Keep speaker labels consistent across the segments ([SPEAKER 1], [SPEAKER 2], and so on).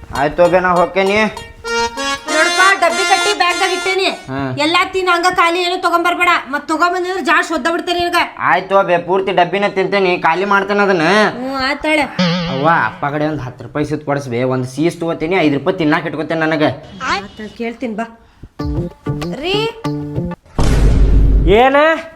[SPEAKER 1] ಆಯ್ತು ಬೇ ನಾ ಹೋಗ್ತೇನಿ.
[SPEAKER 2] ನೋಡಪ್ಪ ಡಬ್ಬಿ ಕಟ್ಟಿ ಬ್ಯಾಗ್ದಾಗ ಇಟ್ಟೇನಿ. ಎಲ್ಲಾ ತಿನ್ನ ಹಂಗ ಖಾಲಿ ಏನು ತಗೊಂಬರ್ಬೇಡ. ಮತ್ ತಗೊಂಬಂದ್ರೆ ಜಾಸ್ತಿ ಒದ್ದ ಬಿಡ್ತೇನೆ ನಿನಗ.
[SPEAKER 1] ಆಯ್ತು ಬೇ ಪೂರ್ತಿ ಡಬ್ಬಿನ ತಿಂತೇನಿ, ಖಾಲಿ ಮಾಡ್ತೇನೆ ಅದನ್ನ.
[SPEAKER 2] ಆತಾಳೆ.
[SPEAKER 1] ಅವ್ವ ಅಪ್ಪ ಕಡೆ ಒಂದು 10 ರೂಪಾಯಿ ಸಿತ್ ಕೊಡಿಸ್ಬೇ. ಒಂದು ಸೀಸ್ ತಗೋತೀನಿ, 5 ರೂಪಾಯಿ ತಿನ್ನಾಕ ಇಟ್ಕೋತೇನೆ ನನಗೆ.
[SPEAKER 2] ಕೇಳ್ತೀನಿ ಬಾ ರೀ.
[SPEAKER 3] ಏನ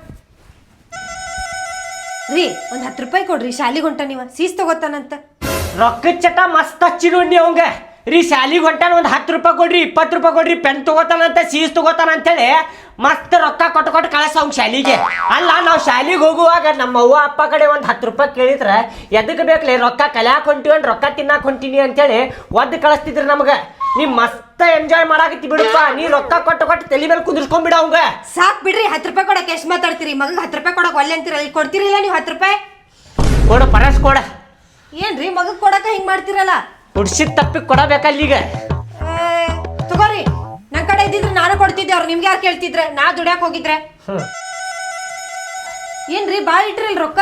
[SPEAKER 2] ರೀ ಒಂದ್ 10 ರೂಪಾಯಿ ಕೊಡ್ರಿ, ಶಾಲಿಗೆ ಹೊಂಟ ನೀವ ಸೀಸ್ ತಗೋತಾನಂತ.
[SPEAKER 3] ರೊಕ್ಕದ ಚಟ ಮಸ್ತ್ ಹಚ್ಚಿ ನೋಡಿ ಅವಂಗ. ರೀ ಶಾಲಿಗೆ ಹೊಂಟಾನ ಒಂದು 10 ರೂಪಾಯಿ ಕೊಡ್ರಿ, 20 ರೂಪಾಯಿ ಕೊಡ್ರಿ, ಪೆನ್ ತಗೋತಾನಂತ, ಸೀಸ್ ತಗೋತಾನ ಅಂತೇಳಿ ಮಸ್ತ್ ರೊಕ್ಕ ಕೊಟ್ಟು ಕಳಿಸ ಅವ್ನ ಶಾಲಿಗೆ. ಅಲ್ಲ ನಾವು ಶಾಲಿಗೆ ಹೋಗುವಾಗ ನಮ್ಮ ಅವ್ವ ಅಪ್ಪ ಕಡೆ ಒಂದು 10 ರೂಪಾಯಿ ಕೇಳಿದ್ರೆ ಎದಕ್ಕೆ ಬೇಕಲೇ, ರೊಕ್ಕ ಕಲ್ಯಾಕ್ ಹೊಂಟಿವಿ ರೊಕ್ಕ ತಿನ್ನಾಕ ಹೊಂಟಿನಿ ಅಂತೇಳಿ ಒದ್ದು ಕಳಿಸ್ತಿದ್ರಿ ನಮ್ಗೆ. ನೀ ಮಸ್ತ್ ಎಂಜಾಯ್ ಮಾಡಾಕತ್ತಿ ಬಿಡಪ್ಪ. ನೀ ರೊಕ್ಕ ಕೊಟ್ಟು ತಲೆ ಮೇಲೆ ಕುಂದಿರ್ಸ್ಕೊಂಡ್ಬಿಡ ಅವಂಗ.
[SPEAKER 2] ಸಾಕ್ ಬಿಡ್ರಿ, 10 ರೂಪಾಯಿ ಕೊಡಕ್ಕೆ ಎಷ್ಟು ಮಾತಾಡ್ತೀರಿ? ಮಗ 10 ರೂಪಾಯಿ ಕೊಡಕ್ ಒಲ್ಲೆ ಅಂತೀರಲ್ಲ, ಕೊಡ್ತೀರಿಲ್ಲ ನೀವು 10 ರೂಪಾಯಿ?
[SPEAKER 3] ಕೊಡು ಪರಸ್ ಕೊಡ.
[SPEAKER 2] ಏನ್ರಿ ಮಗಗ್ ಕೊಡಕ ಹಿಂಗ್ ಮಾಡ್ತಿರಲ್ಲ?
[SPEAKER 3] ಹುಡ್ಸಿದ ತಪ್ಪಿಗೆ ಕೊಡಬೇಕಲ್ಲ ಈಗ.
[SPEAKER 2] ತಗೋರಿ, ನನ್ ಕಡೆ ಇದ್ದಿದ್ರೆ ನಾನು ಕೊಡ್ತಿದ್ದೆ, ಅವ್ರು ನಿಮ್ಗೆ ಯಾರು ಕೇಳ್ತಿದ್ರೆ? ನಾ ದುಡ್ಯಾಕ್ ಹೋಗಿದ್ರೆ ಏನ್ರಿ ಬಾಳ ಇಟ್ರಿಲ್ ರೊಕ್ಕ?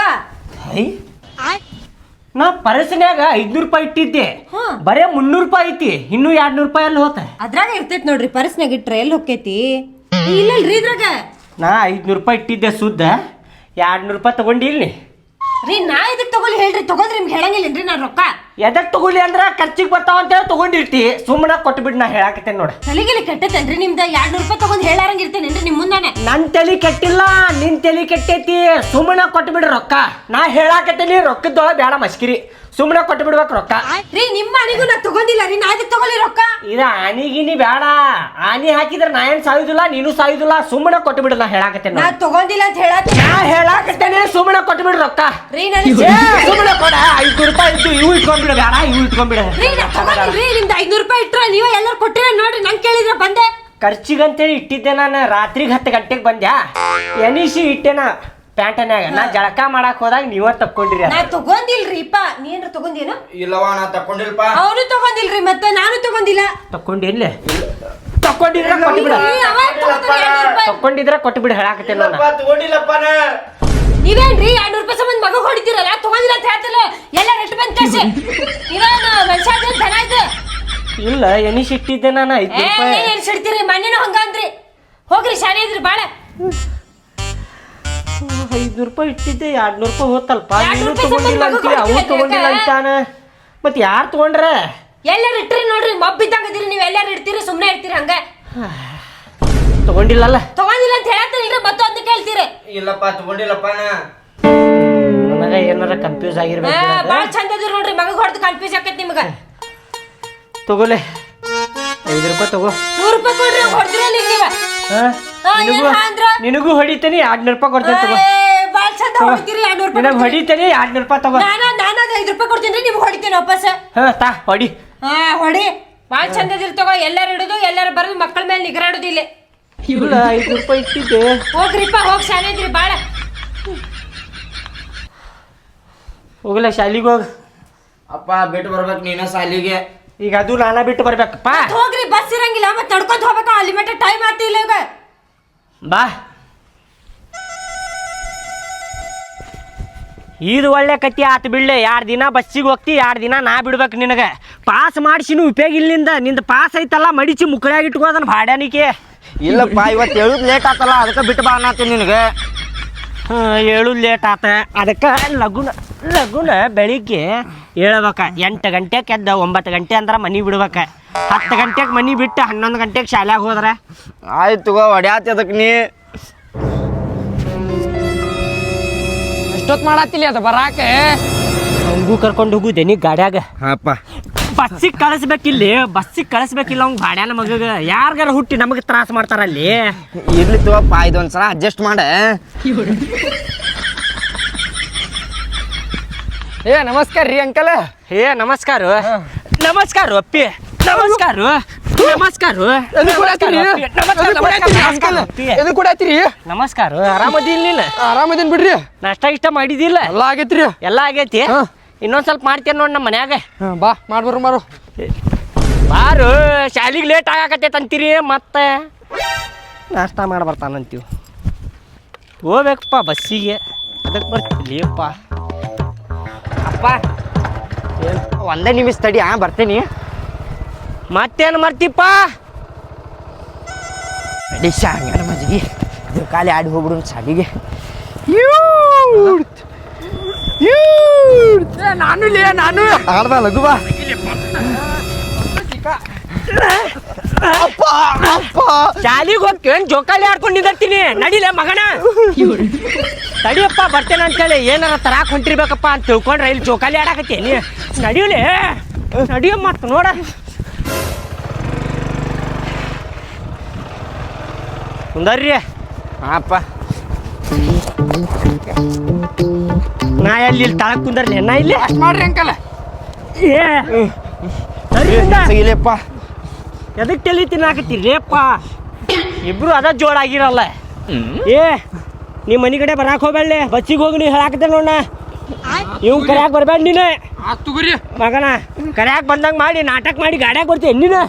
[SPEAKER 3] ನಾ ಪರಸನ್ಯಾಗ 500 ರೂಪಾಯಿ ಇಟ್ಟಿದ್ದೆ, ಬರೇ 300 ರೂಪಾಯಿ ಐತಿ. ಇನ್ನೂ 200 ರೂಪಾಯಿ ಅಲ್ಲಿ ಹೋತ.
[SPEAKER 2] ಅದ್ರಾಗ ಇರ್ತೈತಿ ನೋಡ್ರಿ, ಪರ್ಸ್ನಾಗ ಇಟ್ರೆ ಎಲ್ಲಿ ಹೋಗ್ತೈತಿ? ಇಲ್ಲಲ್ರಿ ಇದ್ರಾಗ.
[SPEAKER 3] ನಾ 500 ರೂಪಾಯಿ ಇಟ್ಟಿದ್ದೆ ಸುದ್ದ, 200 ರೂಪಾಯಿ ತಗೊಂಡಿಲ್ನಿ
[SPEAKER 2] ರೀ. ನಾ ಇದಕ್ ತಗೊಳ್ಳಿ ಹೇಳ್ರಿ, ತಗೊಂಡ್ರಿ ನಿಮ್ಗೆ ಹೇಳಂಗಿಲ್ಲೇನ್ರಿ ನಾನು ರೊಕ್ಕ?
[SPEAKER 3] ಎದಕ್ ತಗೊಳ್ಳಿ ಅಂದ್ರ ಖರ್ಚಿಗೆ ಬರ್ತಾವ ಅಂತೇಳಿ ತಗೊಂಡಿರ್ತಿ. ಸುಮ್ಮನೆ ಕೊಟ್ಬಿಡ್, ನಾ ಹೇಳಾಕತ್ತೇನೆ ನೋಡ.
[SPEAKER 2] ತಲೆಗೆಲಿ ಕೆಟ್ಟತೇನ್ರಿ ನಿಮ್ದ? 200 ರೂಪಾಯಿ ತಗೊಂಡ್ ಹೇಳಾರಂಗ ಇರ್ತೇನೇನ್ರಿ ನಿಮ್ ಮುಂದಾನೆ?
[SPEAKER 3] ನನ್ ತಲಿ ಕೆಟ್ಟಿಲ್ಲ, ನಿನ್ ತಲಿ ಕೆಟ್ಟೈತಿ. ಸುಮ್ಮನೆ ಕೊಟ್ಬಿಡ್ರಿ ರೊಕ್ಕ. ನಾ ಹೇಳಾಕತ್ತೇನಿ, ರೊಕ್ಕದೊಳಗ ಬೇಡ ಮಸ್ಕಿರಿ. ಸುಮ್ಮನೆ ಕೊಟ್ಟು ಬಿಡ್ಬೇಕು ರೊಕ್ಕ.
[SPEAKER 2] ರೀ ನಿಮ್ಮ ಆನಿಗೂ ನಾ ತಗೊಂಡಿಲ್ಲ ರೀ, ನಾ ಇದಕ್ ತಗೊಳ್ಳಿ ರೊಕ್ಕ?
[SPEAKER 3] ಇದ ಆನಿಗಿನಿ ಬೇಡ. ಆನಿ ಹಾಕಿದ್ರೆ ನಾ ಏನ್ ಸಾಯುದಿಲ್ಲ, ನೀನು ಸಾಯುದಿಲ್ಲ. ಸುಮ್ಮನೆ ಕೊಟ್ಟು ಬಿಡು, ನಾ ಹೇಳಾಕತ್ತೇನೆ.
[SPEAKER 2] ನಾ ತಗೊಂಡಿಲ್ಲ ಅಂತ
[SPEAKER 3] ಹೇಳಾಕತ್ತೇನೆ, ಸುಮ್ಮನೆ ಕೊಟ್ಟು ಬಿಡ್ರಿ ರೊಕ್ಕ.
[SPEAKER 2] ರೀ
[SPEAKER 3] ಸುಮ್ಮನೆ ಕೊಡ. 500 ರೂಪಾಯಿ ಇದ್ದು ಇವು ಇಟ್ಕೊಂಡ್ಬಿಡ, ಬೇಡ ಇವು ಇಟ್ಕೊಂಡ್ಬಿಡ.
[SPEAKER 2] ನಿಮ್ದು 500 ರೂಪಾಯಿ ಇಟ್ರ ನೀವ ಎಲ್ಲರೂ ಕೊಟ್ಟಿರ ನೋಡ್ರಿ, ನಂಗೆ ಕೇಳಿದ್ರ ಬಂದೆ.
[SPEAKER 3] ಖರ್ಚಿಗಂತೇಳಿ ಇಟ್ಟಿದ್ದೆ ನಾನು. ರಾತ್ರಿಗೆ 10 ಗಂಟೆಗೆ ಬಂದ್ಯಾ, ಎನಿಸಿ ಇಟ್ಟೆನ ಪ್ಯಾಂಟನ್ಯಾಗ. ನಾ ಜಳಕ ಮಾಡಕ್ ಹೋದಾಗ ನೀವ ತಕ್ಕೊಂಡ್ರಿ.
[SPEAKER 2] ನಾ ತಗೊಂಡಿಲ್ರಿಪ್ಪ. ನೀನ್ರ ತಗೊಂಡೇನು?
[SPEAKER 1] ಇಲ್ಲವಾ ನಾ ತಕೊಂಡಿಲ್ಪ.
[SPEAKER 2] ಅವನು ತಗೊಂಡಿಲ್ರಿ, ಮತ್ತೆ ನಾನು ತಗೊಂಡಿಲ್ಲ.
[SPEAKER 3] ತಕ್ಕೊಂಡಿಲ್ಲ? ತಕ್ಕೊಂಡಿದ್ರೆ ಕೊಟ್ಬಿಡ, ತಕ್ಕೊಂಡಿದ್ರೆ ಕೊಟ್ಬಿಡ ಹೇಳಾಕತ್ತೇನ.
[SPEAKER 1] ತಗೊಂಡಿಲ್ಲಪ್ಪ ನಾ.
[SPEAKER 2] ನೀವೇನ್ರಿ 200 ರೂಪಾಯಿ ಸಂಬಂಧ ಮಗ ಹೊಡಿತೀರಲ್ಲ? ತಗೊಂಡಿಲ್ಲ ಅಂತ ಹೇಳ್ತಲ್ಲ, ಎಲ್ಲ ರೆಟ್ ಬಂದ್ ಕಳ್ಸಿ. ನೀವೇನು ಮನುಷ್ಯ ಧನ ಆಯ್ತು?
[SPEAKER 3] ಇಲ್ಲ, ಎನಿಸಿ ಇಟ್ಟಿದ್ದೆ ನಾನು 500 ರೂಪಾಯಿ.
[SPEAKER 2] ಏನ್ ಸಿಡ್ತೀರಿ? ಮನೇನು ಹಂಗ ಅಂದ್ರಿ. ಹೋಗ್ರಿ, ಶಾಲೆ ಇದ್ರಿ ಬಾಳ.
[SPEAKER 3] 500 ರೂಪಾಯಿ ಇಟ್ಟಿದ್ದೆ, 200 ರೂಪಾಯಿ ಹೋತಲ್ಪ. ನೀನು ತಗೊಂಡಿಲ್ಲ ಅಂತೀವಿ, ಅವ್ರು ತಗೊಂಡಿಲ್ಲ ಅಂತಾನ. ಮತ್ ಯಾರು ತಗೊಂಡ್ರ?
[SPEAKER 2] ಎಲ್ಲಾರು ಇಟ್ರಿ ನೋಡ್ರಿ, ಮಬ್ಬಿದ್ದಂಗ ಇದೀರಿ ನೀವು. ಎಲ್ಲಾರು ಇಡ್ತೀರಿ, ಸುಮ್ನೆ ಇಡ್ತೀರಿ ಹಂಗ.
[SPEAKER 3] ತಗೊಂಡಿಲ್ಲಲ್ಲ?
[SPEAKER 2] ತಗೊಂಡಿಲ್ಲ ಅಂತ ಹೇಳತ್ತೀರಿ, ಮತ್ತೊಂದು ಕೇಳ್ತೀರಿ.
[SPEAKER 1] ಇಲ್ಲಪ್ಪ ತಗೊಂಡಿಲ್ಲಪ್ಪ ನಾ.
[SPEAKER 3] ನನಗ ಏನಾರ ಕನ್ಫ್ಯೂಸ್ ಆಗಿರ್ಬೇಕು.
[SPEAKER 2] ಬಾಳ ಚಂದ ಇದ್ರಿ ನೋಡ್ರಿ, ಮಗ ಹೊಡೆದು ಕನ್ಫ್ಯೂಸ್ ಆಕೈತಿ ನಿಮಗ.
[SPEAKER 3] ತಗೋಲೆ 5 ರೂಪಾಯಿ ತಗೋ.
[SPEAKER 2] 100 ರೂಪಾಯಿ ಕೊಡ್ರಿ, ಹೊಡ್ದಿರಲ್ಲ ಈಗ ನೀವ.
[SPEAKER 3] ನಿನಗೂ ಹೊಡಿತೇನೆ, 200 ರೂಪಾಯಿ ಕೊಡ್ತೇನೆ ತಗೋ.
[SPEAKER 2] ಬಾಳ ಚಂದ ಹೊಡಿತೀರಿ. 200 ರೂಪಾಯಿ
[SPEAKER 3] ನಿನಗೆ ಹೊಡಿತೇನೆ, 200 ರೂಪಾಯಿ ತಗೋ.
[SPEAKER 2] ನಾನು 5 ರೂಪಾಯಿ ಕೊಡ್ತೀನಿ, ನಿಮ್ಗೆ ಹೊಡಿತೇನೆ ವಾಪಸ್.
[SPEAKER 3] ತಾ ಹೊಡಿ.
[SPEAKER 2] ಹೊಡಿ. ಬಾಳ ಚಂದ ಇದ್ರಿ ತಗೋ. ಎಲ್ಲಾರು ಇಡುದು, ಎಲ್ಲಾರು ಬರೋದು, ಮಕ್ಕಳ ಮೇಲೆ ನಿಗ್ರ ಇಡುದಿಲ್ಲ.
[SPEAKER 3] ಇಲ್ಲ, 5 ರೂಪಾಯಿ ಇಟ್ಟಿದ್ದೆ.
[SPEAKER 2] ಹೋಗ್ರಿಪ್ಪ, ಹೋಗಿ ಶಾಲೆ ಇದ್ರಿ ಬಾಳ.
[SPEAKER 3] ಹೋಗಲ್ಲ ಶಾಲಿಗೆ ಹೋಗ.
[SPEAKER 1] ಅಪ್ಪ ಬಿಟ್ಟು ಬರ್ಬೇಕು ನೀನ ಸಾಲಿಗೆ.
[SPEAKER 3] ಈಗ ಅದು ನಾನಾ ಬಿಟ್ಟು ಬರ್ಬೇಕಪ್ಪ.
[SPEAKER 2] ಹೋಗ್ರಿ, ಬಸ್ ಇರಂಗಿಲ್ಲ, ಮತ್ತೆ ತಡ್ಕೊಂತ ಹೋಗ್ಬೇಕು. ಅಲ್ಲಿ ಮಟ್ಟ ಟೈಮ್ ಆಗ್ತಿಲ್ಲ ಈಗ.
[SPEAKER 3] ಬಾ. ಇದು ಒಳ್ಳೆ ಕತ್ತಿ ಆತು ಬಿಡ್ಲೆ. 2 ದಿನ ಬಸ್ಸಿಗೆ ಹೋಗ್ತಿ, 2 ದಿನ ನಾ ಬಿಡ್ಬೇಕು ನಿನಗೆ. ಪಾಸ್ ಮಾಡಿಸಿನೂ ಉಪಯೋಗ ಇಲ್ಲಿಂದ. ನಿಂದ ಪಾಸ್ ಐತಲ್ಲ, ಮಡಿಸಿ ಮುಕ್ಕಳಾಗಿ ಇಟ್ಕೋದನ್ನ ಭಾಡ್ಯಾನಿಕೆ.
[SPEAKER 1] ಇಲ್ಲಪ್ಪ, ಇವತ್ತು ಹೇಳುದು ಲೇಟ್ ಆತಲ್ಲ, ಅದಕ್ಕೆ ಬಿಟ್ಟು ಬಾ ಅನ್ನತ್ತೀನಿ ನಿನಗೆ.
[SPEAKER 3] ಹೇಳುದು ಲೇಟ್ ಆತ, ಅದಕ್ಕೆ ಲಗುನ ಬೆಳಿಗ್ಗೆ ಹೇಳ್ಬೇಕ. 8 ಗಂಟೆಗೆ ಎದ್ದ 9 ಗಂಟೆ ಅಂದ್ರೆ ಮನೆ ಬಿಡ್ಬೇಕ. 10 ಗಂಟೆಗೆ ಮನೆ ಬಿಟ್ಟು 11 ಗಂಟೆಗೆ ಶಾಲ್ಯಾಗ ಹೋದ್ರೆ
[SPEAKER 1] ಆಯ್ತು ಹೊಡ್ಯಾತಿ. ಅದಕ್ಕೆ ನೀ
[SPEAKER 4] ಎಷ್ಟೊತ್ತು ಮಾಡತ್ತಿಲ್ಲ ಅದು ಬರಾಕೆ?
[SPEAKER 3] ಹಂಗೂ ಕರ್ಕೊಂಡು ಹೋಗುದೆ ನೀ ಗಾಡ್ಯಾಗ.
[SPEAKER 1] ಹಾಪ
[SPEAKER 3] ಬಸ್ಸಿಗೆ ಕಳಿಸ್ಬೇಕಿಲ್ಲ ಅವ್ನು ಭಾಡ್ಯಾನ ಮಗಗ. ಯಾರಿಗಾರ ಹುಟ್ಟಿ ನಮಗೆ ತ್ರಾಸ ಮಾಡ್ತಾರ ಅಲ್ಲಿ.
[SPEAKER 1] ಇರ್ಲಿ ತಗೋಪ್ಪ, ಇದೊಂದ್ಸಲ ಅಡ್ಜಸ್ಟ್ ಮಾಡ.
[SPEAKER 4] ನಮಸ್ಕಾರ ರೀ ಅಂಕಲ್.
[SPEAKER 3] ನಮಸ್ಕಾರ ಅಪ್ಪಿ. ನಮಸ್ಕಾರ. ಆರಾಮದಿಲ್ಲ ನೀನು?
[SPEAKER 4] ಆರಾಮದೇನ್ ಬಿಡ್ರಿ.
[SPEAKER 3] ನಾಷ್ಟ ಇಷ್ಟ ಮಾಡಿದಿಲ್ಲ?
[SPEAKER 4] ಎಲ್ಲ ಆಗೈತ್ರಿ.
[SPEAKER 3] ಎಲ್ಲ ಆಗೈತಿ. ಇನ್ನೊಂದ್ ಸ್ವಲ್ಪ ಮಾಡ್ತೇನೆ ನೋಡಿ ನಮ್ಮ ಮನ್ಯಾಗ.
[SPEAKER 4] ಬಾ ಮಾಡ್ಬರ್ರಿ ಮಾರು.
[SPEAKER 3] ಬಾರು, ಶಾಲಿಗೆ ಲೇಟ್ ಆಗಾಕತ್ತೈತೆ ಅಂತೀರಿ, ಮತ್ತೆ ನಾಷ್ಟ ಮಾಡಿ ಬರ್ತಾನಂತೀವಿ. ಹೋಗ್ಬೇಕಪ್ಪ ಬಸ್ಸಿಗೆ, ಅದಕ್ಕೆ ಬರ್ತಿರ್ಲಿಯಪ್ಪ.
[SPEAKER 1] ಅಪ್ಪ ಒಂದೇ ನಿಮಿಷ ತಡಿ, ಬರ್ತೇನಿ.
[SPEAKER 3] ಮತ್ತೇನು ಮಾಡ್ತಿಪ್ಪ
[SPEAKER 1] ಅಡಿ ಶಾಂಗನ ಮಜ್ಜಿಗೆ ಇದು ಖಾಲಿ ಆಡಿ ಹೋಗ್ಬಿಡು ಶಾಲಿಗೆ.
[SPEAKER 4] ನಾನು ಲೇ ನಾನು
[SPEAKER 1] ಆಡ್ದ ಲಘು ಬಾ.
[SPEAKER 3] ಶಾಲಿಗೆ ಹೋಗ್ತೇನ್ ಜೋಕಾಲಿ ಆಡ್ಕೊಂಡು ನಿಂದಿರ್ತೀನಿ ನಡಿಲೆ ಮಗನ. ತಡಿಯಪ್ಪ ಬರ್ತೇನೆ ಅಂತೇಳಿ ಏನಾರ ತರಾಕ್ ಹೊಂಟಿರ್ಬೇಕಪ್ಪ ಅಂತ ತಿಳ್ಕೊಂಡ್ರೆ ಇಲ್ಲಿ ಜೋಕಾಲಿ ಆಡಾಕತ್ತೇನಿ. ನಡಿಯಲೇ ನಡಿಯ ಮತ್ತ ನೋಡ. ಕುಂದರ್ರಿ
[SPEAKER 1] ಹಾಪ
[SPEAKER 3] ನಾ ಎಲ್ಲಿ ಇಲ್ಲಿ ತಳಕ್ ಕುಂದರ್ಲಿ ನಾ ಇಲ್ಲಿ
[SPEAKER 4] ಮಾಡ್ರಿ ಅಂಕಲ್.
[SPEAKER 3] ಏ
[SPEAKER 1] ಸಿಗಿಲೆಪ್ಪ.
[SPEAKER 3] ಎದಕ್ ತಲೆ ತಿನ್ನಾಕತ್ತೀರಿ ಅಪ್ಪ ಇಬ್ರು ಅದ ಜೋಡಾಗಿರಲ್ಲ. ಏ ನಿಮ್ಮ ಮನೆ ಕಡೆ ಬರಾಕ್ ಹೋಗ್ಬೇಡ್ಲಿ ಬಚ್ಚಿಗೆ ಹೋಗಿ ನೀ ಹೇಳಾಕತ್ತೆ ನೋಡ. ಇವ್ ಕರ್ಯಾಕ್ ಬರ್ಬೇಡ ನೀನು
[SPEAKER 4] ಆತ್ ತಗೋರಿ.
[SPEAKER 3] ಮಗನ. ಕರ್ಯಾಕ್ ಬಂದಂಗ ಮಾಡಿ ನಾಟಕ ಮಾಡಿ ಗಾಡ್ಯಾಗ ಬರ್ತೀಯ ನೀನು.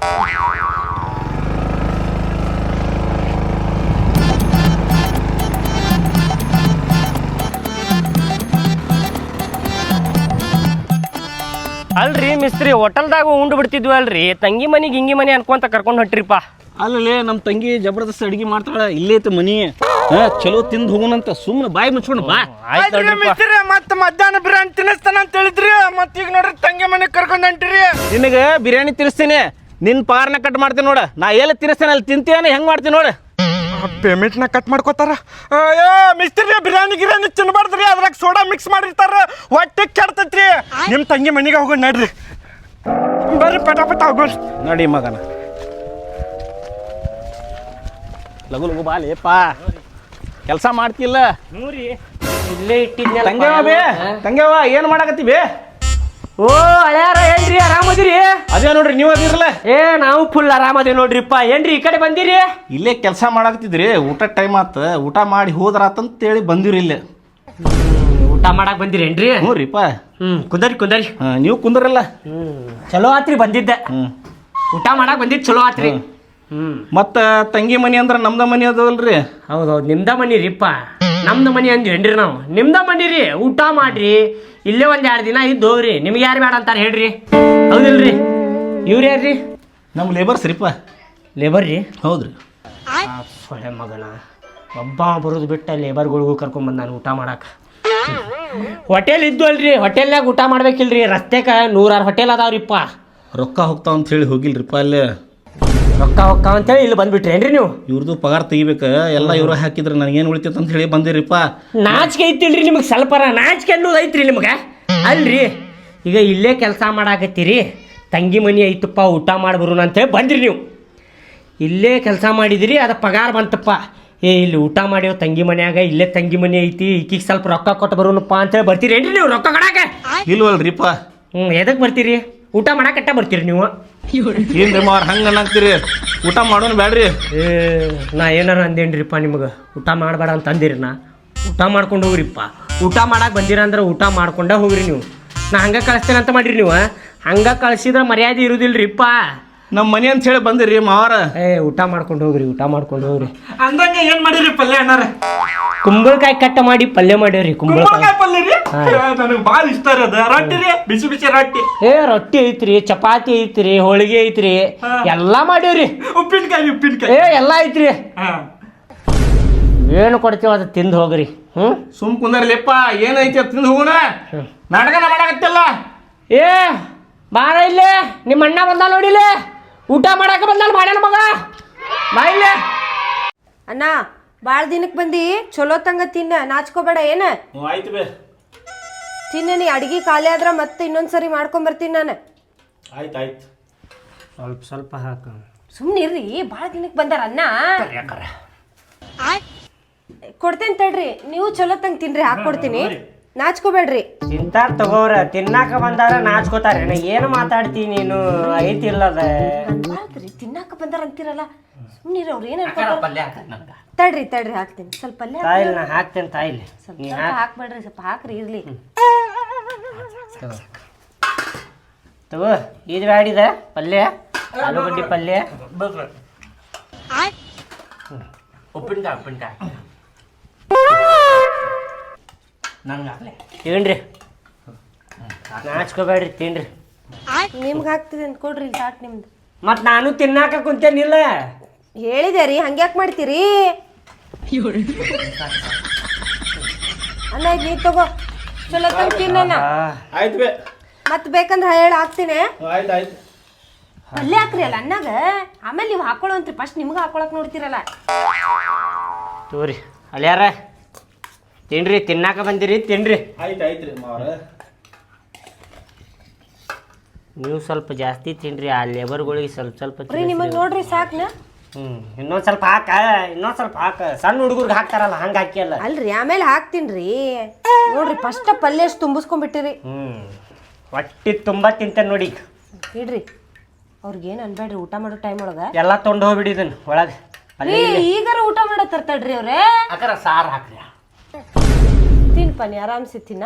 [SPEAKER 3] ಅಲ್ರಿ ಮಿಸ್ತ್ರಿ ಹೋಟೆಲ್ದಾಗ ಉಂಡು ಬಿಡ್ತಿದ್ವಿ ಅಲ್ರಿ, ತಂಗಿ ಮನಿ ಗಿಂಗಿ ಮನಿ ಅನ್ಕೊಂತ ಕರ್ಕೊಂಡು ಹೊಂಟ್ರಿಪ್ಪ.
[SPEAKER 5] ಅಲ್ಲೇ ನಮ್ಮ ತಂಗಿ ಜಬರ್ದಸ್ತ್ ಅಡಿಗೆ ಮಾಡ್ತಾಳ, ಇಲ್ಲೇ ಐತೆ ಮನಿ. ಚಲೋ ತಿಂದು ಹೋಗೋಣಂತ ಸುಮ್ಮನೆ ಬಾಯಿ ಮುಚ್ಕೊಂಡು ಬಾ.
[SPEAKER 4] ಮತ್ತೆ ಮಧ್ಯಾಹ್ನ ಬಿರಿಯಾನಿ ತಿನ್ನಿಸ್ತಾನ ಅಂತ ಹೇಳಿದ್ರಿ, ಮತ್ತೆ ಈಗ ನೋಡ್ರಿ ತಂಗಿ ಮನೆಗೆ ಕರ್ಕೊಂಡ್ ಹೊಂಟಿರಿ.
[SPEAKER 5] ನಿನಗೆ ಬಿರಿಯಾನಿ ತಿನ್ನಿಸ್ತೀನಿ, ನಿನ್ನ ಪಾರ್ನ ಕಟ್ ಮಾಡ್ತೀನಿ ನೋಡ. ನಾ ಎಲ್ಲಿ ತಿನ್ನಿಸ್ತೇನೆ ಅಲ್ಲಿ ತಿಂತೀಯನ ಹೆಂಗ್ ಮಾಡ್ತೀನಿ ನೋಡ.
[SPEAKER 4] ಪೇಮೆಂಟ್ನ ಕಟ್ ಮಾಡ್ಕೋತಾರ. ಮಿಸ್ತ್ರಿ ಬಿರಿಯಾನಿ ಗಿರಿಯಾನಿ ತಿನ್ಬಾರ್ದ್ರಿ, ಅದ್ರಾಗ ಸೋಡಾ ಮಿಕ್ಸ್ ಮಾಡಿರ್ತಾರ, ಹೊಟ್ಟೆ ಕೆಡ್ತೈತ್ರಿ. ನಿಮ್ ತಂಗಿ ಮನೆಗೆ ಹೋಗೋಣ ನಡ್ರಿ, ಬರ್ರಿ ಪಟಾಪಟ ಹೋಗೋಣ.
[SPEAKER 5] ನಡಿ ಮಗನ, ಲಗು ಲಗು ಬಾಲೇಪ, ಕೆಲಸ ಮಾಡ್ತಿಲ್ಲ.
[SPEAKER 3] ನೋಡ್ರಿ ಇಲ್ಲೇ ಇಟ್ಟಿದ್ನ.
[SPEAKER 5] ತಂಗ್ಯವ ಬೇ, ತಂಗ್ಯವ ಏನ್ ಮಾಡಾಕತ್ತಿ ಬೇ?
[SPEAKER 3] ಓ ಅಳ್ಯಾರ ಏನ್ರಿ ಆರಾಮದಿರಿ?
[SPEAKER 5] ಅದೇ ನೋಡ್ರಿ ನೀವು ಅದಿರಲ್ಲ.
[SPEAKER 3] ಏ ನಾವು ಫುಲ್ ಆರಾಮದೇವಿ ನೋಡ್ರಿಪ್ಪ. ಏನ್ರಿ ಈ ಕಡೆ ಬಂದಿರಿ?
[SPEAKER 5] ಇಲ್ಲೇ ಕೆಲಸ ಮಾಡಾಕತ್ತಿದ್ರಿ, ಊಟ ಟೈಮ್ ಆತ, ಊಟ ಮಾಡಿ ಹೋದ್ರಾತಂತೇಳಿ ಬಂದಿರಿ ಇಲ್ಲೇ.
[SPEAKER 3] ಊಟ ಮಾಡಕ್ ಬಂದಿರೇನ್ರಿ?
[SPEAKER 5] ಹ್ಞೂ ರೀಪ.
[SPEAKER 3] ಕುಂದರಿ ಕುಂದರಿ.
[SPEAKER 5] ನೀವು ಕುಂದ್ರಲ್ಲ.
[SPEAKER 3] ಚಲೋ ಆತ್ರಿ ಬಂದಿದ್ದೆ. ಊಟ ಮಾಡಕ್ ಬಂದಿದ್ ಚಲೋ ಆತ್ರಿ.
[SPEAKER 5] ಮತ್ತ ತಂಗಿ ಮನಿ ಅಂದ್ರ ನಮ್ದ ಮನಿ ಅದಲ್ರಿ.
[SPEAKER 3] ಹೌದೌದು ನಿಮ್ದ ಮನಿ ರೀಪ್ಪ. ನಮ್ದು ಮನಿ ಅಂದ್ವೇನ್ರಿ ನಾವು? ನಿಮ್ದ ಮನಿ ರೀ. ಊಟ ಮಾಡ್ರಿ, ಇಲ್ಲೇ ಒಂದ್ 2 ದಿನ ಇದ್ದು ಹೋಗ್ರಿ. ನಿಮ್ಗೆ ಯಾರು ಬೇಡ ಅಂತಾರ ಹೇಳ್ರಿ, ಹೌದಿಲ್ರಿ? ಇವ್ರು ಯಾರ್ರಿ?
[SPEAKER 5] ನಮ್ಮ ಲೇಬರ್ಸ್ ರೀಪ.
[SPEAKER 3] ಲೇಬರ್ ರೀ?
[SPEAKER 5] ಹೌದ್ರಿ.
[SPEAKER 3] ಸೊಳ್ಳೆ ಮಗನ ಒಬ್ಬ ಬರೋದು ಬಿಟ್ಟ ಲೇಬರ್ಗಳಿಗೂ ಕರ್ಕೊಂಡ್ ನಾನು ಊಟ ಮಾಡಾಕ. ಹೋಟೆಲ್ ಇದ್ದು ಅಲ್ರಿ, ಹೋಟೆಲ್ನಾಗ ಊಟ ಮಾಡ್ಬೇಕಿಲ್ರಿ. ರಸ್ತೆಕ 100 ಹೋಟೆಲ್ ಅದಾವ್ರಿಪ್ಪ.
[SPEAKER 5] ರೊಕ್ಕ ಹೋಗ್ತಾವ ಅಂತ ಹೇಳಿ ಹೋಗಿಲ್ರಿಪ್ಪ ಅಲ್ಲೇ.
[SPEAKER 3] ರೊಕ್ಕ ಅಂತೇಳಿ ಇಲ್ಲಿ ಬಂದ್ಬಿಟ್ರೇನ್ರಿ ನೀವು?
[SPEAKER 5] ಇವ್ರದ್ದು ಪಗಾರ ತೆಗಿಬೇಕ, ಎಲ್ಲ ಇವ್ರ ಹಾಕಿದ್ರೆ ನನಗೇನು ಉಳಿತೈತೆ ಅಂತ ಹೇಳಿ ಬಂದಿರಿಪ್ಪ.
[SPEAKER 3] ನಾಚಿಕೆ ಐತಿಲ್ರಿ ನಿಮಗೆ? ಸ್ವಲ್ಪರ ನಾಚಿಕೆ ಅನ್ನೋದು ಐತ್ರಿ ನಿಮ್ಗೆ? ಅಲ್ರಿ ಈಗ ಇಲ್ಲೇ ಕೆಲಸ ಮಾಡಾಕತ್ತೀರಿ, ತಂಗಿ ಮನಿ ಐತಪ್ಪ ಊಟ ಮಾಡ್ಬರೋಣ ಅಂತೇಳಿ ಬಂದ್ರಿ ನೀವು. ಇಲ್ಲೇ ಕೆಲಸ ಮಾಡಿದಿರಿ, ಅದು ಪಗಾರ ಬಂತಪ್ಪ. ಏ ಇಲ್ಲಿ ಊಟ ಮಾಡ್ಯವ ತಂಗಿ ಮನ್ಯಾಗ, ಇಲ್ಲೇ ತಂಗಿ ಮನಿ ಐತಿ, ಈಕಿಗೆ ಸ್ವಲ್ಪ ರೊಕ್ಕ ಕೊಟ್ಟು ಬರೋಣಪ್ಪ ಅಂತೇಳಿ ಬರ್ತೀರೇನ್ರಿ ನೀವು ರೊಕ್ಕ ಕೊಡಾಕ?
[SPEAKER 5] ಇಲ್ವಲ್ರಿಪ್ಪ.
[SPEAKER 3] ಎದಕ್ಕೆ ಬರ್ತೀರಿ? ಊಟ ಮಾಡಾಕಟ್ಟ ಬರ್ತೀರಿ ನೀವು?
[SPEAKER 5] ಏನ್ರಿ ಮಾರ್ ಹಂಗೆ ಅನ್ನಕ್ತೀರಿ? ಊಟ ಮಾಡೋಣ ಬ್ಯಾಡ್ರಿ.
[SPEAKER 3] ಏ ನಾ ಏನಾರ ಅಂದೇನ್ರಿಪ್ಪ ನಿಮ್ಗೆ? ಊಟ ಮಾಡಬೇಡ ಅಂತ ಅಂದಿರಿ. ನಾ ಊಟ ಮಾಡ್ಕೊಂಡು ಹೋಗ್ರಿಪ್ಪ. ಊಟ ಮಾಡಕ್ಕೆ ಬಂದಿರ ಅಂದ್ರೆ ಊಟ ಮಾಡ್ಕೊಂಡ ಹೋಗ್ರಿ ನೀವು. ನಾ ಹಂಗೆ ಕಳಿಸ್ತೇನೆ ಅಂತ ಮಾಡಿರಿ ನೀವು. ಹಂಗೆ ಕಳಿಸಿದ್ರೆ ಮರ್ಯಾದೆ ಇರುದಿಲ್ರಿಪ್ಪ.
[SPEAKER 5] ನಮ್ಮ ಮನೆ ಅಂತ ಹೇಳಿ ಬಂದಿರಿ ಮಾವಾರ.
[SPEAKER 3] ಏ ಊಟ ಮಾಡ್ಕೊಂಡು ಹೋಗ್ರಿ, ಊಟ ಮಾಡ್ಕೊಂಡು ಹೋಗ್ರಿ.
[SPEAKER 4] ಅಂದಂಗ ಏನ್ ಮಾಡಿರಿ ಪಲ್ಯ ಅಣ್ಣಾರ?
[SPEAKER 3] ಕುಂಬಳಕಾಯಿ ಕಟ್ಟ ಮಾಡಿ ಪಲ್ಯ ಮಾಡ್ಯಾವ್ರಿ.
[SPEAKER 4] ಕುಂಬಳಕಾಯಿ ಪಲ್ಯ ರೀ? ನನಗೆ ಭಾಳ ಇಷ್ಟ ರೀ ಅದ. ರೊಟ್ಟಿ ರೀ, ಬಿಸಿ ಬಿಸಿ ರೊಟ್ಟಿ.
[SPEAKER 3] ಏ ರೊಟ್ಟಿ ಐತ್ರಿ, ಚಪಾತಿ ಐತ್ರಿ, ಹೋಳಿಗೆ ಐತ್ರಿ, ಎಲ್ಲ ಮಾಡ್ಯಾವ್ರಿ.
[SPEAKER 4] ಉಪ್ಪಿನಕಾಯಿ
[SPEAKER 3] ಏ ಎಲ್ಲ ಐತ್ರಿ. ಏನು ಕೊಡ್ತೀವ ಅದು ತಿಂದು ಹೋಗ್ರಿ.
[SPEAKER 5] ಸುಮ್ ಕುಂದರ್ಲಿಪ್ಪ, ಏನೈತಿ ಅದು ತಿಂದು ಹೋಗೋಣ. ನಾಟಕನ ಮಾಡಾಕತ್ತಿಲ್ಲ.
[SPEAKER 3] ಏ ಬಾರ ಇಲ್ಲೇ, ನಿಮ್ಮ ಅಣ್ಣ ಬಂದ ನೋಡಿಲ್ಲೇ, ಊಟ ಮಾಡಾಕ ಬಂದಾನ ಮಾಡ್ಯಾನ ಮಗ. ಬಾ ಇಲ್ಲೇ.
[SPEAKER 2] ಅಣ್ಣ ಭಾಳ ದಿನಕ್ಕೆ ಬಂದು ಚಲೋ ತಂಗ ತಿನ್ನ, ನಾಚ್ಕೋಬೇಡ. ಏನ
[SPEAKER 5] ಆಯ್ತು ಬೇ,
[SPEAKER 2] ತಿನ್ನ. ನೀ ಅಡಿಗೆ ಖಾಲಿ ಆದ್ರೆ ಮತ್ತೆ ಇನ್ನೊಂದ್ಸರಿ ಮಾಡ್ಕೊಂಬರ್ತೀನಿ ನಾನು.
[SPEAKER 5] ಆಯ್ತು ಆಯ್ತು.
[SPEAKER 3] ಸ್ವಲ್ಪ ಸ್ವಲ್ಪ ಹಾಕ.
[SPEAKER 2] ಸುಮ್ಮನೆ ಇರ್ರಿ, ಭಾಳ ದಿನಕ್ಕೆ ಬಂದಾರ ಅಣ್ಣ. ಕೊಡ್ತೇನೆ ತಡ್ರಿ, ನೀವು ಚಲೋ ತಂಗ ತಿನ್ರಿ, ಹಾಕ್ಕೊಡ್ತೀನಿ, ನಾಚ್ಕೋಬೇಡ್ರಿ.
[SPEAKER 3] ತಿಂತಾರ ತಗೋರ, ತಿನ್ನಾಕ ಬಂದಾರ ನಾಚ್ಕೋತಾರ. ಏನು ಮಾತಾಡ್ತಿ ನೀನು? ಐತಿಲ್ಲದ
[SPEAKER 2] ತಿನ್ನಾಕ ಬಂದಾರ ಅಂತೀರಲ್ಲ, ಸುಮ್ಮನಿರಿ. ಅವ್ರು ಏನು ತಡ್ರಿ ತಡ್ರಿ ಹಾಕ್ತೀನಿ. ಸ್ವಲ್ಪ ಪಲ್ಯ
[SPEAKER 3] ತಾಯಿಲ್ ನಾ ಹಾಕ್ತೇನೆ. ತಾಯಿಲಿ
[SPEAKER 2] ಸ್ವಲ್ಪ ಹಾಕ್ಬೇಡ್ರಿ, ಸ್ವಲ್ಪ ಹಾಕ್ರಿ ಇರ್ಲಿ.
[SPEAKER 3] ತಗೋ ಇದು ಬ್ಯಾಡಿದ ಪಲ್ಯ, ಆಲೂಗಡ್ಡಿ ಪಲ್ಯ, ಉಪ್ಪಿನಕಾಯಿ ಉಪ್ಪಿನಕಾಯಿ ನಂಗೆ ಹಾಕ್ಲೆ. ತಿನ್ರಿ, ನಾಚ್ಕೋಬೇಡ್ರಿ, ತಿನ್ರಿ.
[SPEAKER 2] ನಿಮ್ಗೆ ಹಾಕ್ತಿದ್ದೇನೆ ಕೊಡ್ರಿ ಸಾಟ್ ನಿಮ್ದು.
[SPEAKER 3] ಮತ್ ನಾನು ತಿನ್ನಾಕ ಕುಂತೇನಿಲ್ಲ.
[SPEAKER 2] ಹೇಳಿದೆ ರೀ ಹಂಗ್ಯಾಕ್ ಮಾಡ್ತೀರಿ ಅಣ್ಣ ಇದ್ ನೀ ತಗೋ ಚಲೋ ತಂಗ್ ತಿನ್ನಣ್ಣ.
[SPEAKER 4] ಆಯ್ತು ಬೇ.
[SPEAKER 2] ಮತ್ ಬೇಕಂದ್ರೆ ಹೇಳಿ ಹಾಕ್ತೀನಿ.
[SPEAKER 4] ಆಯ್ತು ಆಯ್ತು.
[SPEAKER 2] ಪಲ್ಯ ಹಾಕ್ರಿ ಅಲ್ಲ ಅನ್ನಾಗ, ಆಮೇಲೆ ನೀವು ಹಾಕೊಳ್ಳೋಂತ್ರಿ. ಫಸ್ಟ್ ನಿಮ್ಗೆ ಹಾಕೊಳಕ್ ನೋಡ್ತಿರಲ್ಲ.
[SPEAKER 3] ತೋರಿ ಅಲ್ಯಾರ ತಿನ್ರಿ, ತಿನ್ನಾಕ ಬಂದಿರಿ ತಿನ್ರಿ.
[SPEAKER 4] ಆಯ್ತು ಆಯ್ತು ರೀ ಮಾವ್ರ.
[SPEAKER 3] ನೀವು ಸ್ವಲ್ಪ ಜಾಸ್ತಿ ತಿನ್ರಿ, ಆ ಲೇಬರ್ಗಳಿಗೆ ಸ್ವಲ್ಪ ಸ್ವಲ್ಪ
[SPEAKER 2] ರೀ ನಿಮಗ್ ನೋಡ್ರಿ ಸಾಕ್ನ.
[SPEAKER 3] ಇನ್ನೊಂದ್ ಸ್ವಲ್ಪ ಹಾಕ, ಇನ್ನೊಂದ್ ಸ್ವಲ್ಪ ಹಾಕ. ಸಣ್ಣ ಹುಡುಗರ್ಗೆ ಹಾಕ್ತಾರಲ್ಲ ಹಂಗ ಹಾಕಿಯಲ್ಲ.
[SPEAKER 2] ಅಲ್ರಿ ಆಮೇಲೆ ಹಾಕ್ತೀನ್ರಿ. ನೋಡ್ರಿ ಫಸ್ಟ್ ಪಲ್ಯ ಎಷ್ಟು ತುಂಬಿಸ್ಕೊಂಡ್ಬಿಟ್ಟಿರಿ.
[SPEAKER 3] ಹೊಟ್ಟಿ ತುಂಬಾ ತಿಂತೇನೆ ನೋಡಿ.
[SPEAKER 2] ಇಡ್ರಿ ಅವ್ರಿಗೇನು ಅನ್ಬೇಡ್ರಿ, ಊಟ ಮಾಡೋ ಟೈಮ್ ಒಳಗ
[SPEAKER 3] ಎಲ್ಲ ತೊಗೊಂಡು ಹೋಗ್ಬಿಡಿದನ್ ಒಳಗೆ.
[SPEAKER 2] ಈಗಾರ ಊಟ ಮಾಡೋ ತರ್ತಡ್ರಿ ಅವ್ರೆ.
[SPEAKER 3] ಅಕರ ಸಾರು ಹಾಕ್ರಿ.
[SPEAKER 2] ತಿನ್ಪ ನೀ ಆರಾಮ್ಸಿ ತಿನ್ನ.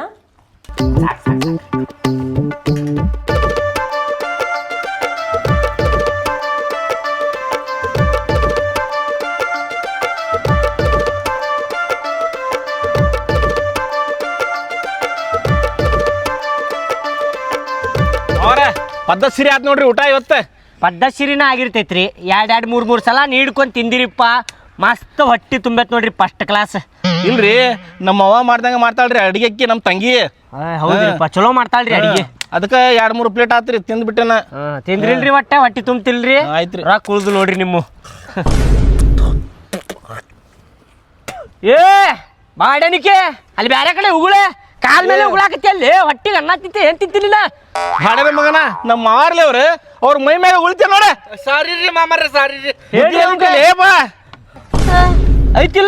[SPEAKER 5] ಅವ್ರ ಪದ್ಧತಿ ಆತ್ ನೋಡ್ರಿ ಊಟ ಇವತ್ತು.
[SPEAKER 3] ಪದ್ಧತಿರಿನ ಆಗಿರ್ತೈತ್ರಿ. ಎರಡು ಮೂರು ಸಲ ನೀಡ್ಕೊಂಡು ತಿಂದಿರಿಪ್ಪ, ಮಸ್ತ್ ಹೊಟ್ಟಿ ತುಂಬೈತ್ ನೋಡ್ರಿ, ಫಸ್ಟ್ ಕ್ಲಾಸ್.
[SPEAKER 5] ಇಲ್ರಿ ನಮ್ಮ ಅವ್ವ ಮಾಡ್ದಂಗ ಮಾಡ್ತಾಳ್ರಿ ಅಡಿಗೆಕ್ಕಿ ನಮ್ಮ ತಂಗಿ.
[SPEAKER 3] ಹೌದ್ರಿಪ್ಪ, ಚಲೋ ಮಾಡ್ತಾಳ್ರಿ ಅಡಿಗೆ.
[SPEAKER 5] ಅದಕ್ಕೆ 2-3 ಪ್ಲೇಟ್ ಆತ್ರಿ ತಿಂದ್ಬಿಟ್ಟೆನ.
[SPEAKER 3] ತಿಂದ್ರಿಲ್ರಿ ಹೊಟ್ಟಿ ತುಂಬ್ತಿಲ್ರಿ.
[SPEAKER 5] ಆಯ್ತ್ರಿ.
[SPEAKER 3] ರೊಕ್ಕ ಉಳ್ದು ನೋಡ್ರಿ ನಿಮ್ಮ. ಏ ಬಾಡನಿಕೆ ಅಲ್ಲಿ ಬ್ಯಾರೆ ಕಡೆ ಉಗುಳೆ ಕಾಲ್ ಮೇಲೆ ಉಗುಳಾಕತ್ತಿ. ಅಲ್ಲಿ ಹೊಟ್ಟಿಗೆ ಅನ್ನ ತಿಂತೆ ಏನ್ ತಿಂತಿರ್ಲಿಲ್ಲ.
[SPEAKER 5] ಹಾಡದ ಮಗನ ನಮ್ಮ ಮಾವಾರ್ಲಿ ಅವ್ರ ಮೈ ಮೇಲೆ ಉಳಿತೇ ನೋಡ.
[SPEAKER 4] ಸಾರಿ ರೀ ಮಾಮಾರ, ಸಾರಿ ರೀ.
[SPEAKER 3] ಐತಿಲ್ಲ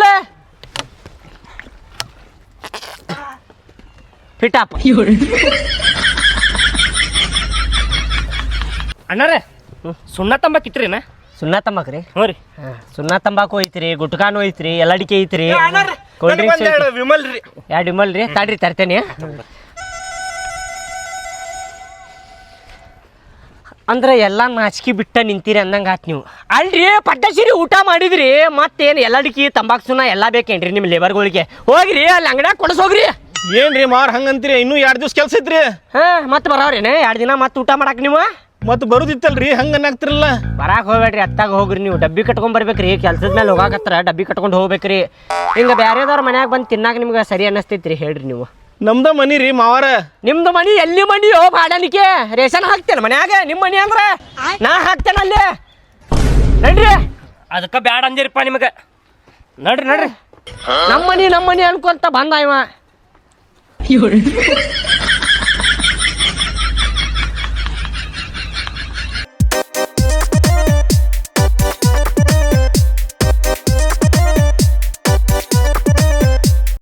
[SPEAKER 3] ಫಿಟಾಪ್ ಅಣ್ಣಾರೆ ಸುಣ್ಣ ತಂಬಾಕಿತ್ರಿನ? ಸುಣ್ಣ ತಂಬಾಕ್ರಿ? ಹ್ಞೂ ರೀ. ಸುಣ್ಣ ತಂಬಾಕು ಐತ್ರಿ, ಗುಟ್ಕಾನು ಐತ್ರಿ, ಎಲ್ಲಡಿಕೆ ಐತ್ರಿ, ಕೋಲ್ಡ್ ಡ್ರಿಂಕ್ಸ್
[SPEAKER 4] ವಿಮಲ್ ರೀ.
[SPEAKER 3] 2 ವಿಮಲ್ ರೀ. ತಾಡ್ರಿ ತರ್ತೇನೆ. ಅಂದ್ರೆ ಎಲ್ಲ ನಾಚಿಕೆ ಬಿಟ್ಟ ನಿಂತೀರಿ ಅಂದಂಗೆ ಆತ್ ನೀವು. ಅಲ್ರಿ ಪಡ್ಡಸಿರಿ ಊಟ ಮಾಡಿದ್ರಿ, ಮತ್ತೇನು ಎಲ್ಲಡಿಕೆ ತಂಬಾಕು ಸುಣ್ಣ ಎಲ್ಲ ಬೇಕೇನ್ರಿ ನಿಮ್ಮ ಲೇಬರ್ಗಳಿಗೆ? ಹೋಗ್ರಿ ಅಲ್ಲಿ ಅಂಗಡ್ಯಾಗ ಕೊಡಿಸೋಗ್ರಿ.
[SPEAKER 5] ಏನ್ರಿ ಮಾರ್ ಹಂಗಂತೀರಿ? ಇನ್ನೂ 2 ದಿವ್ಸ ಕೆಲ್ಸ ಐತ್ರಿ.
[SPEAKER 3] ಮತ್ತೆ ಬರೋರೇನೆ 2 ದಿನ ಮತ್ತೆ ಊಟ ಮಾಡಾಕ ನೀವು?
[SPEAKER 5] ಮತ್ತೆ ಬರುದಿತ್ತಲ್ರಿ, ಹಂಗ ಅನ್ನಾಗ್ತಿರಲ್ಲ.
[SPEAKER 3] ಬರಾಕ್ ಹೋಗ್ಬೇಡ್ರಿ, ಅತ್ತಾಗ ಹೋಗ್ರಿ. ನೀವು ಡಬ್ಬಿ ಕಟ್ಕೊಂಡ್ ಬರ್ಬೇಕ್ರಿ. ಕೆಲ್ಸದ ಮೇಲೆ ಹೋಗಾಕತ್ರ ಡಬ್ಬಿ ಕಟ್ಕೊಂಡು ಹೋಗ್ಬೇಕ್ರಿ. ಹಿಂಗ ಬ್ಯಾರೆದವ್ರ ಮನ್ಯಾಗ ಬಂದು ತಿನ್ನಾಕ ನಿಮ್ಗೆ ಸರಿ ಅನ್ನಿಸ್ತೈತ್ರಿ? ಹೇಳ್ರಿ ನೀವು.
[SPEAKER 5] ನಮ್ದ ಮನಿ ರೀ ಮಾವಾರ.
[SPEAKER 3] ನಿಮ್ದು ಮನಿ ಎಲ್ಲಿ ಮನಿಯೋ ಬಾಡನಿಕೆ? ರೇಷನ್ ಹಾಕ್ತೇನೆ ಮನ್ಯಾಗ? ನಿಮ್ಮ ಮನಿ ಅಂದ್ರೆ ನಾ ಹಾಕ್ತೇನೆ ಅಲ್ಲಿ. ನಡ್ರಿ, ಅದಕ್ಕೆ ಬ್ಯಾಡ ಅಂದಿರಪ್ಪ ನಿಮಗೆ. ನಡ್ರಿ ನಮ್ಮ ಮನಿ ಅನ್ಕೊಂತ ಬಂದ ಇವ.